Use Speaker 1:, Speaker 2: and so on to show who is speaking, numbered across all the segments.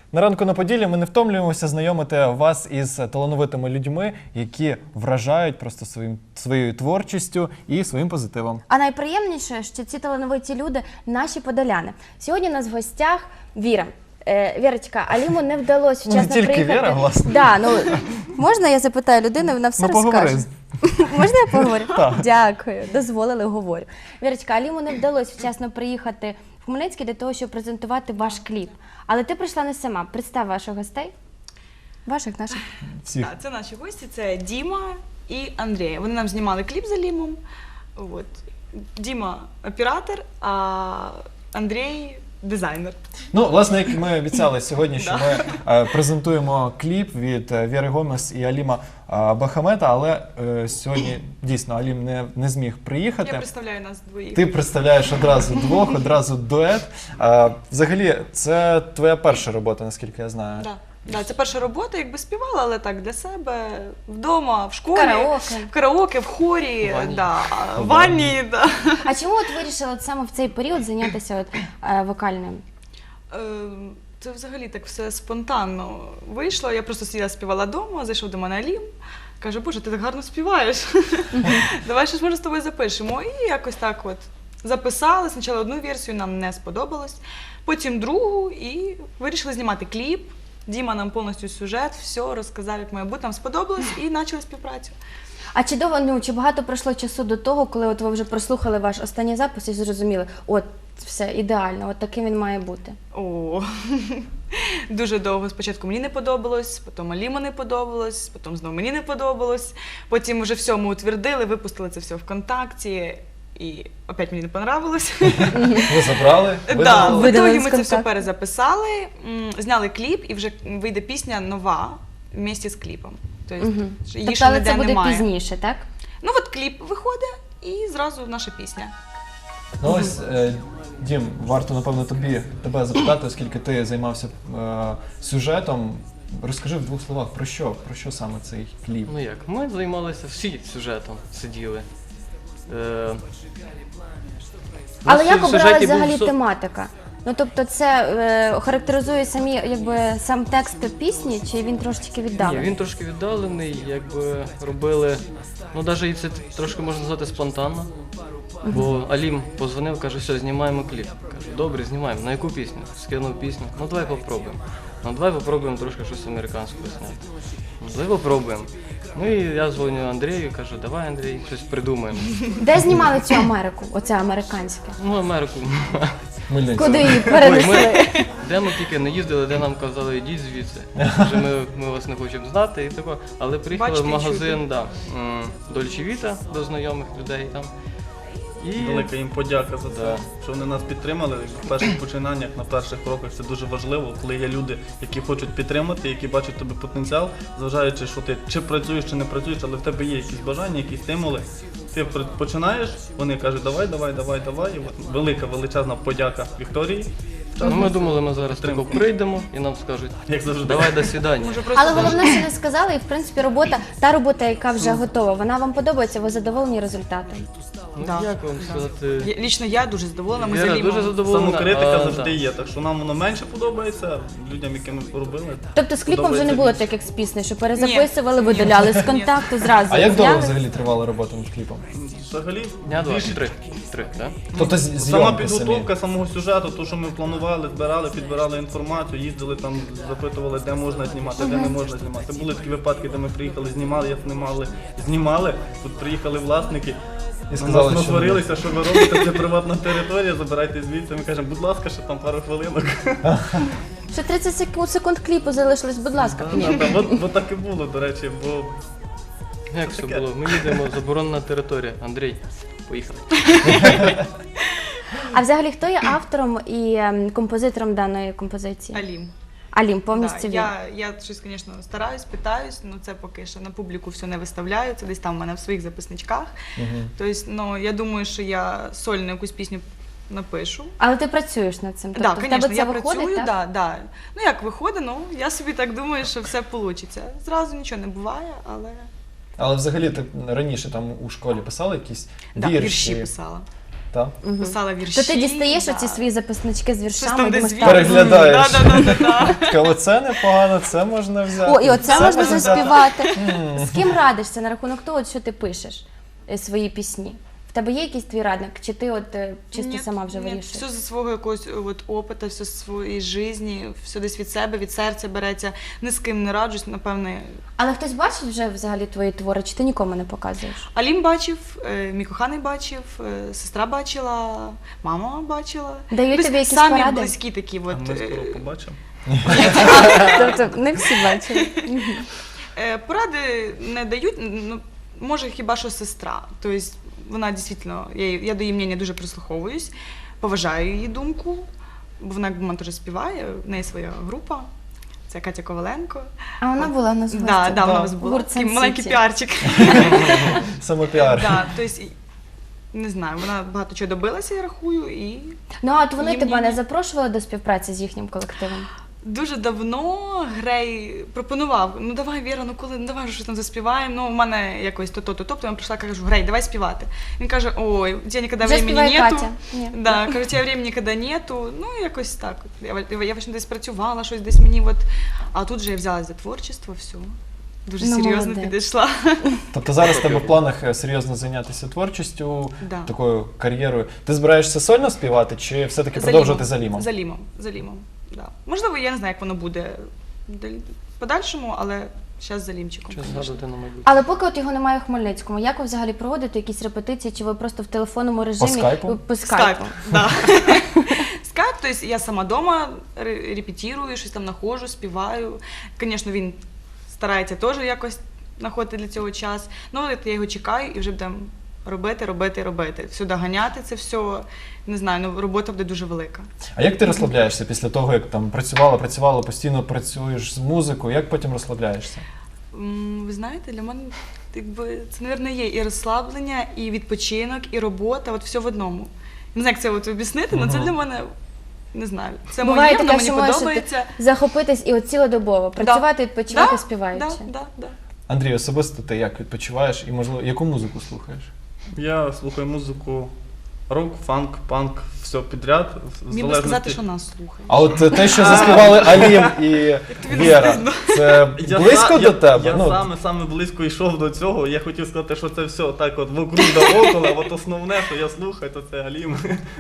Speaker 1: На ранку на Поділлі ми не втомлюємося знайомити вас із талановитими людьми, які вражають просто своєю творчістю і своїм позитивом.
Speaker 2: А найприємніше, що ці талановиті люди – наші подоляни. Сьогодні у нас в гостях Віра. Вірочка, Аліму не вдалося вчасно приїхати.
Speaker 1: Не тільки Віра, власне.
Speaker 2: Да, можна я запитаю людину, вона все розкаже? Можна я поговорю?
Speaker 1: Так.
Speaker 2: Дякую, дозволили, говорю. Вірочка, Аліму не вдалося вчасно приїхати в Хмельницький для того, щоб презентувати ваш кліп. Але ти прийшла не сама. Представ ваших гостей. Ваших, наших.
Speaker 1: Всіх.
Speaker 3: Так, це наші гості, це Діма і Андрій. Вони нам знімали кліп з Алімом. От. Діма – оператор, а Андрій – дизайнер.
Speaker 1: Ну, власне, як ми обіцяли сьогодні, що ми презентуємо кліп від Віри Гомес і Аліма Бахамета, але сьогодні дійсно Алім не зміг приїхати.
Speaker 3: Я представляю нас двоїх.
Speaker 1: Ти представляєш одразу двох, одразу дует. Взагалі, це твоя перша робота, наскільки я знаю.
Speaker 3: Так. Да, це перша робота, якби співала, але так для себе, вдома, в школі,
Speaker 2: В
Speaker 3: караоке, в хорі, в
Speaker 1: В
Speaker 3: ванні. Да.
Speaker 2: А чому от вирішила от саме в цей період зайнятися вокальним?
Speaker 3: Це взагалі так все спонтанно вийшло. Я просто сиділа, співала вдома, зайшов до мене Алім, каже: Боже, ти так гарно співаєш, давай щось може з тобою запишемо. І якось так от записали. Спочатку одну версію, нам не сподобалось, потім другу і вирішили знімати кліп. Діма нам повністю сюжет, все розказав, як має бути, нам сподобалось і почали співпрацю.
Speaker 2: А чи багато пройшло часу до того, коли от ви вже прослухали ваш останній запис і зрозуміли, от все ідеально, от таким він має бути?
Speaker 3: О, дуже довго. Спочатку мені не подобалось, потім Аліму не подобалось, потім знову мені не подобалось. Потім вже все ми утвердили, випустили це все ВКонтакті. І опять мені не понравилось.
Speaker 1: Ви забрали?
Speaker 3: Так, в
Speaker 2: Видали
Speaker 3: ітогі
Speaker 2: з
Speaker 3: ми це все
Speaker 2: контакту.
Speaker 3: перезаписали, зняли кліп і вже вийде пісня нова вместе з кліпом. Тобто її
Speaker 2: Тобто,
Speaker 3: ще
Speaker 2: але
Speaker 3: ніде
Speaker 2: це буде
Speaker 3: немає.
Speaker 2: пізніше, так?
Speaker 3: Ну от кліп виходить і зразу наша пісня.
Speaker 1: Ну ось, Дім, варто, напевно, тебе запитати, оскільки ти займався сюжетом. Розкажи в двох словах, про що саме цей кліп?
Speaker 4: Ну як, ми займалися всі сюжетом, сиділи.
Speaker 2: Але
Speaker 4: На
Speaker 2: як обиралась
Speaker 4: сюжеті був
Speaker 2: взагалі тематика? Ну, тобто це характеризує сам текст пісні, чи він трошечки
Speaker 4: Ні,
Speaker 2: віддалений?
Speaker 4: він трошки віддалений, якби робили, ну навіть і це трошки можна назвати спонтанно. Бо Алім позвонив, каже: все, знімаємо кліп. Кажу: добре, знімаємо. На яку пісню? Скинув пісню. Ну давай попробуємо. Ну давай попробуємо трошки щось американського зняти. Ну давай попробуємо. Ну і я дзвоню Андрію, кажу: давай, Андрій, щось придумаємо.
Speaker 2: Де знімали цю Америку, оце американське?
Speaker 4: Ну, Америку.
Speaker 1: Хмельницький.
Speaker 2: Куди її
Speaker 4: Ой,
Speaker 2: перенесли?
Speaker 4: де ми тільки не їздили, де нам казали: йдіть звідси. Вже ми вас не хочемо знати і тако. Але приїхали
Speaker 3: Бачите,
Speaker 4: в магазин Dolce Vita до знайомих людей там. І
Speaker 5: Велика їм подяка за це, що вони нас підтримали в перших починаннях, на перших кроках. Це дуже важливо, коли є люди, які хочуть підтримати, які бачать в тобі потенціал, зважаючи, що ти чи працюєш, чи не працюєш, але в тебе є якісь бажання, якісь стимули. Ти починаєш, вони кажуть: давай. І от велика, величезна подяка Вікторії.
Speaker 4: ну, ми думали, ми зараз тако прийдемо і нам скажуть:
Speaker 5: Як завжди.
Speaker 4: давай, до свидання.
Speaker 3: Може, просто
Speaker 2: Але головне, що не сказали, і в принципі та робота, яка вже готова, вона вам подобається, ви задоволені результатом?
Speaker 4: Ну,
Speaker 3: Да.
Speaker 4: як вам сказати?
Speaker 3: Лічно я дуже задоволена, ми з
Speaker 4: Віра дуже
Speaker 3: Алімом.
Speaker 4: задоволена.
Speaker 5: Самокритика
Speaker 4: а,
Speaker 5: завжди
Speaker 4: да.
Speaker 5: є, так що нам воно менше подобається, людям, яким ми робили.
Speaker 2: Тобто з кліпом вже не
Speaker 5: подобається
Speaker 2: було
Speaker 5: більше.
Speaker 2: так, як з піснею, що перезаписували, видаляли з контакту, зразу
Speaker 1: А як довго
Speaker 2: зняли?
Speaker 1: взагалі тривала робота над кліпом?
Speaker 5: Взагалі,
Speaker 4: Дня два,
Speaker 5: більше-
Speaker 4: три, так?
Speaker 1: Тобто
Speaker 5: Сама
Speaker 1: зйомки самі?
Speaker 5: підготовка самого сюжету, то, що ми планували, збирали, підбирали інформацію, їздили там, запитували, де можна знімати, де не можна знімати. Були такі випадки, де ми приїхали, знімали, знімали. Тут приїхали власники,
Speaker 1: І сказали,
Speaker 5: нас
Speaker 1: що
Speaker 5: насварилися, що ви робите, це приватна територія, забирайте звідси. Ми кажемо: будь ласка, ще там пару хвилинок.
Speaker 2: Ще 30 секунд кліпу залишилось, будь ласка. Ні.
Speaker 5: От так і було, до речі, бо
Speaker 4: Як все було? Ми їдемо, заборонена територія. Андрій, поїхали.
Speaker 2: А взагалі, хто є автором і композитором даної композиції?
Speaker 3: Алім.
Speaker 2: Алім, повністю він.
Speaker 3: Я щось, звісно, стараюсь, питаюсь, але це поки що на публіку все не виставляю, це десь там в мене в своїх записничках. Тобто, ну, я думаю, що я сольну якусь пісню напишу.
Speaker 2: Але ти працюєш над цим? Тобто
Speaker 3: Так,
Speaker 2: в
Speaker 3: звісно,
Speaker 2: тебе це
Speaker 3: я
Speaker 2: виходить,
Speaker 3: працюю,
Speaker 2: так?
Speaker 3: да. Ну як виходить, ну я собі так думаю, що все вийде. Зразу нічого не буває, але
Speaker 1: Але взагалі ти раніше там у школі писала якісь
Speaker 3: да,
Speaker 1: вірші?
Speaker 3: вірші писала.
Speaker 1: Так?
Speaker 3: писала вірші.
Speaker 2: То ти дістаєш
Speaker 3: да.
Speaker 2: оці свої записнички з
Speaker 3: Щось
Speaker 2: віршами,
Speaker 3: там
Speaker 2: думаєш,
Speaker 3: десь
Speaker 2: так,
Speaker 1: Переглядаєш.
Speaker 3: Да.
Speaker 1: Така, оце непогано, це можна взяти.
Speaker 2: О, і оце
Speaker 1: це
Speaker 2: можна
Speaker 1: взяти.
Speaker 2: заспівати. З ким радишся на рахунок того, що ти пишеш свої пісні? В тебе є якийсь твій радник, чи ти чисто
Speaker 3: Ні,
Speaker 2: сама вже
Speaker 3: ні,
Speaker 2: вирішуєш?
Speaker 3: Все зі свого якогось опиту, все з своєї житті, все десь від себе, від серця береться. Ні з ким не раджусь, напевне.
Speaker 2: Але хтось бачить вже взагалі твої твори, чи ти нікому не показуєш?
Speaker 3: Алім бачив, мій коханий бачив, сестра бачила, мама бачила.
Speaker 2: Дають
Speaker 3: Тобто
Speaker 2: тобі якісь
Speaker 3: самі
Speaker 2: поради?
Speaker 3: близькі такі.
Speaker 5: А
Speaker 3: От,
Speaker 5: ми скоро побачимо.
Speaker 2: Тобто не всі бачили.
Speaker 3: Поради не дають, ну, може хіба що сестра. Тобто вона дійсно, я до її мнення дуже прислуховуюсь, поважаю її думку, бо вона якби теж співає, в неї своя група. Це Катя Коваленко.
Speaker 2: А вона була на згості?
Speaker 3: Да, вона у нас була.
Speaker 2: Гурт
Speaker 3: Такий
Speaker 2: Сан
Speaker 3: маленький
Speaker 2: Сіті.
Speaker 3: піарчик.
Speaker 1: Самопіар.
Speaker 3: Да, тобто, не знаю, вона багато чого добилася, я рахую, і
Speaker 2: Ну, а от вони
Speaker 3: Їм
Speaker 2: тебе
Speaker 3: ні.
Speaker 2: не запрошували до співпраці з їхнім колективом?
Speaker 3: дуже давно Грей пропонував, ну давай, Віра, ну коли, ну давай вже щось там заспіваємо, ну в мене якось то-то, тобто я прийшла, кажу, Грей, давай співати. Він каже, ой, у тебе ніколи
Speaker 2: Вже
Speaker 3: времени
Speaker 2: співає
Speaker 3: нету.
Speaker 2: Катя. Ні.
Speaker 3: Да, кажу, у тебе времени ніколи нету, ну якось так. Я właśnie десь працювала, щось десь мені, от, а тут же я взялась за творчество, все. Дуже
Speaker 2: Ну,
Speaker 3: серйозно
Speaker 2: молодець.
Speaker 3: підійшла.
Speaker 1: Тобто зараз в тебе в планах серйозно зайнятися творчістю,
Speaker 3: Да.
Speaker 1: такою кар'єрою. Ти збираєшся сольно співати чи все-таки
Speaker 3: За
Speaker 1: продовжувати
Speaker 3: Лімом.
Speaker 1: за Лімом?
Speaker 3: За Лімом, да. Можливо, я не знаю, як воно буде в подальшому, але зараз за Лімчиком.
Speaker 4: Щось
Speaker 3: звісно.
Speaker 4: згадувати на майбутнє.
Speaker 2: Але поки от його немає у Хмельницькому, як ви взагалі проводите якісь репетиції, чи ви просто в телефонному режимі?
Speaker 1: скайпу?
Speaker 2: По скайпу.
Speaker 3: Да. Скайп, то есть я сама дома репетирую, щось там нахожу, співаю. Звісно, він старається теж якось знаходити для цього час. Ну, от я його чекаю і вже будемо робити. Все доганяти це все. Не знаю, ну робота буде дуже велика.
Speaker 1: А як ти розслабляєшся після того, як там працювала, постійно працюєш з музикою, як потім розслабляєшся?
Speaker 3: Ви знаєте, для мене якби, це, мабуть, є і розслаблення, і відпочинок, і робота, от все в одному. Не знаю, як це от об'яснити, але це для мене, не знаю, це
Speaker 2: Буває
Speaker 3: моє, воно
Speaker 2: таке,
Speaker 3: мені
Speaker 2: що можеш
Speaker 3: подобається.
Speaker 2: захопитись і от цілодобово, працювати, відпочивати, співаючи.
Speaker 3: Да.
Speaker 1: Андрій, особисто ти як відпочиваєш і, можливо, яку музику слухаєш?
Speaker 5: Я слухаю музику рок, фанк, панк, все підряд. в
Speaker 3: Міг би сказати, що нас слухає.
Speaker 1: А от те, що заспівали Алім і Віра, це близько до тебе?
Speaker 5: Я
Speaker 1: Ну,
Speaker 5: саме близько йшов до цього. Я хотів сказати, що це все так от вокруг да около, а от основне, що я слухаю, то це Алім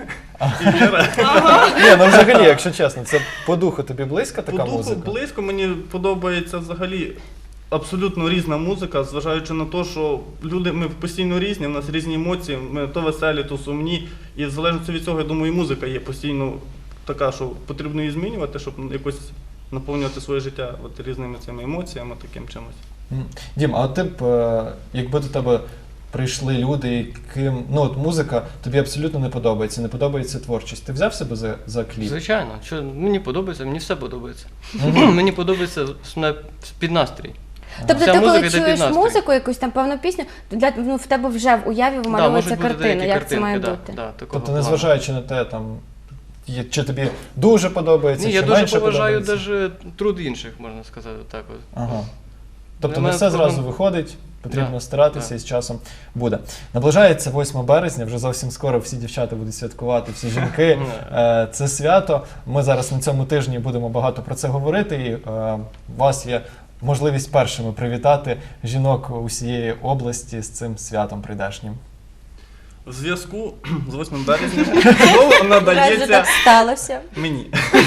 Speaker 5: і Віра.
Speaker 1: ні, ну взагалі, якщо чесно, це по духу тобі близька
Speaker 5: По
Speaker 1: така
Speaker 5: духу
Speaker 1: музика?
Speaker 5: близько, мені подобається взагалі абсолютно різна музика, зважаючи на те, що люди, ми постійно різні, в нас різні емоції, ми то веселі, то сумні. І в залежності від цього, я думаю, і музика є постійно така, що потрібно її змінювати, щоб якось наповнювати своє життя от різними цими емоціями, таким чимось.
Speaker 1: Дім, а от ти б, якби до тебе прийшли люди, яким, ну от музика тобі абсолютно не подобається творчість, ти взяв себе за кліп?
Speaker 4: Звичайно, що мені подобається, мені все подобається. Мені подобається під настрій.
Speaker 2: Тобто
Speaker 4: Вся
Speaker 2: ти коли
Speaker 4: музика йде під
Speaker 2: чуєш
Speaker 4: настрій.
Speaker 2: музику, якусь там певну пісню, то в тебе вже в уяві вимальовується
Speaker 4: можуть бути
Speaker 2: картина,
Speaker 4: деякі
Speaker 2: як це має
Speaker 4: картинки,
Speaker 2: бути.
Speaker 4: да, такого
Speaker 1: Тобто,
Speaker 4: плану.
Speaker 1: незважаючи на те, там, чи тобі дуже подобається,
Speaker 4: Ні,
Speaker 1: чи
Speaker 4: я дуже
Speaker 1: менше
Speaker 4: поважаю
Speaker 1: подобається?
Speaker 4: навіть труд інших, можна сказати так. От.
Speaker 1: Ага. Тобто
Speaker 4: Для
Speaker 1: не
Speaker 4: мене
Speaker 1: все
Speaker 4: проблем-
Speaker 1: зразу виходить, потрібно
Speaker 4: Да,
Speaker 1: старатися
Speaker 4: да.
Speaker 1: і з часом буде. Наближається 8 березня, вже зовсім скоро всі дівчата будуть святкувати, всі жінки. Це свято. Ми зараз на цьому тижні будемо багато про це говорити, і у вас є можливість першими привітати жінок усієї області з цим святом прийдешнім.
Speaker 5: В зв'язку з 8 березня знову
Speaker 2: Раз
Speaker 5: надається
Speaker 2: так сталося.
Speaker 5: мені.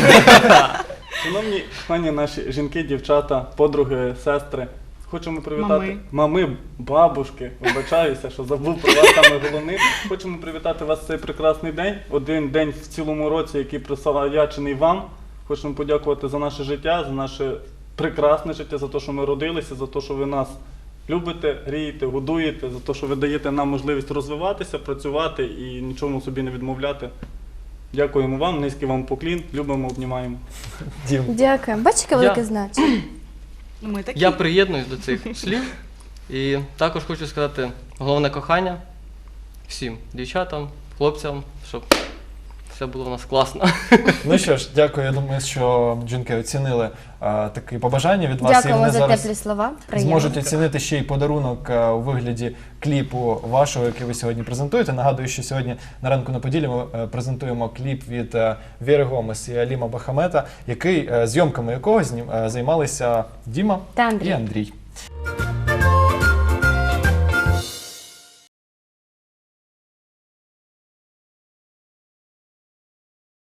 Speaker 5: Шановні пані наші жінки, дівчата, подруги, сестри, хочемо привітати мами, бабушки, вибачаюся, що забув про вас саме головне. Хочемо привітати вас в цей прекрасний день, один день в цілому році, який присвячений вам. Хочемо подякувати за наше життя, за наше прекрасне життя, за те, що ми родилися, за те, що ви нас любите, грієте, годуєте, за те, що ви даєте нам можливість розвиватися, працювати і нічому собі не відмовляти. Дякуємо вам, низький вам поклін, любимо, обнімаємо.
Speaker 1: Дім.
Speaker 2: Дякую. Бачиш, яке велике значення?
Speaker 3: Ми такі.
Speaker 4: Я приєднуюсь до цих слів і також хочу сказати головне кохання всім дівчатам, хлопцям, щоб все було у нас класно.
Speaker 1: Ну що ж, дякую. Я думаю, що жінки оцінили такі побажання від вас.
Speaker 2: Дякуємо
Speaker 1: і вони
Speaker 2: за
Speaker 1: зараз
Speaker 2: теплі слова. Приємно.
Speaker 1: зможуть оцінити ще й подарунок у вигляді кліпу вашого, який ви сьогодні презентуєте. Нагадую, що сьогодні на ранку на Поділлі ми презентуємо кліп від Віри Гомес і Аліма Бахамета, зйомками якого займалися Діма
Speaker 2: Та Андрій.
Speaker 1: і Андрій.